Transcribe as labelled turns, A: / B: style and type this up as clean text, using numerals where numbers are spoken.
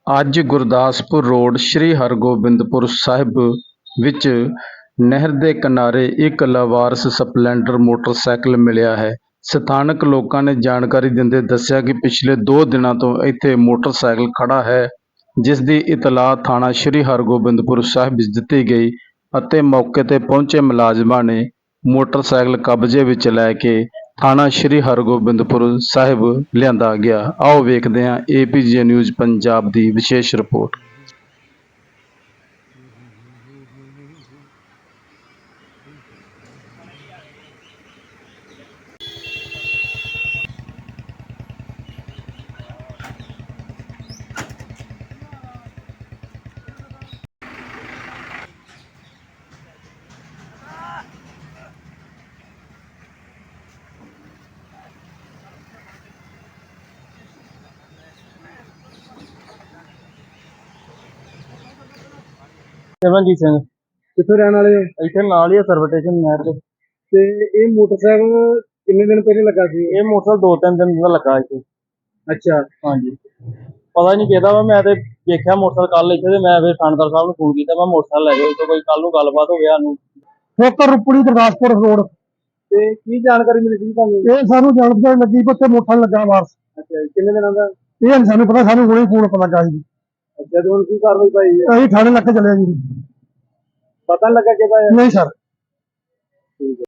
A: ਅੱਜ ਗੁਰਦਾਸਪੁਰ ਰੋਡ ਸ੍ਰੀ ਹਰਗੋਬਿੰਦਪੁਰ ਸਾਹਿਬ ਵਿੱਚ ਨਹਿਰ ਦੇ ਕਿਨਾਰੇ ਇੱਕ ਲਾਵਾਰਸ ਸਪਲੈਂਡਰ ਮੋਟਰਸਾਈਕਲ ਮਿਲਿਆ ਹੈ। ਸਥਾਨਕ ਲੋਕਾਂ ਨੇ ਜਾਣਕਾਰੀ ਦਿੰਦੇ ਦੱਸਿਆ ਕਿ ਪਿਛਲੇ 2 ਦਿਨਾਂ ਤੋਂ ਇੱਥੇ ਮੋਟਰਸਾਈਕਲ ਖੜ੍ਹਾ ਹੈ, ਜਿਸ ਦੀ ਇਤਲਾਹ ਥਾਣਾ ਸ੍ਰੀ ਹਰਗੋਬਿੰਦਪੁਰ ਸਾਹਿਬ ਵਿੱਚ ਦਿੱਤੀ ਗਈ ਅਤੇ ਮੌਕੇ 'ਤੇ ਪਹੁੰਚੇ ਮੁਲਾਜ਼ਮਾਂ ਨੇ ਮੋਟਰਸਾਈਕਲ ਕਬਜ਼ੇ ਵਿੱਚ ਲੈ ਕੇ ਥਾਣਾ ਸ੍ਰੀ ਹਰਗੋਬਿੰਦਪੁਰ ਸਾਹਿਬ ਲਿਆਂਦਾ ਗਿਆ। ਆਓ ਵੇਖਦੇ ਹਾਂ APJ ਨਿਊਜ਼ ਪੰਜਾਬ ਦੀ ਵਿਸ਼ੇਸ਼ ਰਿਪੋਰਟ।
B: ਸਿਮਰਨਜੀਤ ਸਿੰਘ
C: ਕਿੱਥੋਂ ਰਹਿਣ ਵਾਲੇ ਹੋ?
B: ਇੱਥੇ ਨਾਲ ਹੀ ਆ ਸਰਵ ਸਟੇਸ਼ਨ ਨਹਿਰ ਦੇ।
C: ਤੇ ਇਹ ਮੋਟਰਸਾਈਕਲ ਕਿੰਨੇ ਦਿਨ ਪਹਿਲੇ ਲੱਗਾ ਸੀ?
B: ਇਹ ਮੋਟਰਸਾਈਕਲ 2-3 ਦਿਨ ਦਾ ਲੱਗਾ ਇੱਥੇ।
C: ਅੱਛਾ,
B: ਹਾਂਜੀ, ਪਤਾ ਨਹੀਂ ਕਿਹਦਾ ਵਾ। ਮੈਂ ਤੇ ਦੇਖਿਆ ਮੋਟਰਸਾਈਕਲ ਕੱਲ ਇੱਥੇ ਤੇ ਮੈਂ ਫਿਰ ਥਾਣੇਦਾਰ ਸਾਹਿਬ ਨੂੰ ਫੋਨ ਕੀਤਾ, ਮੈਂ ਮੋਟਰਸਾਈਕਲ ਲੈ ਜਾਓ ਇੱਥੇ, ਕੋਈ ਕੱਲ ਨੂੰ ਗੱਲਬਾਤ ਹੋਵੇ ਸਾਨੂੰ।
C: ਠੋਕਰ ਰੁਪੜੀ ਗੁਰਦਾਸਪੁਰ ਰੋਡ ਤੇ ਕੀ ਜਾਣਕਾਰੀ ਮਿਲੀ ਸੀ ਤੁਹਾਨੂੰ? ਇਹ ਸਾਨੂੰ ਜਾਣਕਾਰੀ ਲੱਗੀ ਕਿ ਉੱਥੇ ਮੋਟਰਸਾਈਕਲ ਲੱਗਾ ਵਾਰਸ। ਅੱਛਾ, ਕਿੰਨੇ ਦਿਨਾਂ ਦਾ? ਇਹ ਨਹੀਂ ਸਾਨੂੰ ਪਤਾ, ਸਾਨੂੰ ਹੁਣੇ ਫੋਨ ਪਤਾ ਚਾਹੀਦੀ। ਅੱਛਾ, ਤੇ ਹੁਣ ਕੀ ਕਾਰਵਾਈ ਪਾਈ ਹੈ? ਅਸੀਂ ਥਾਣੇ ਲੱਗ ਕੇ ਚੱਲੇ ਜੀ। ਪਤਾ ਲੱਗਾ ਕਿਹਦਾ ਹੈ? ਨਹੀਂ ਸਰ। ਠੀਕ ਹੈ।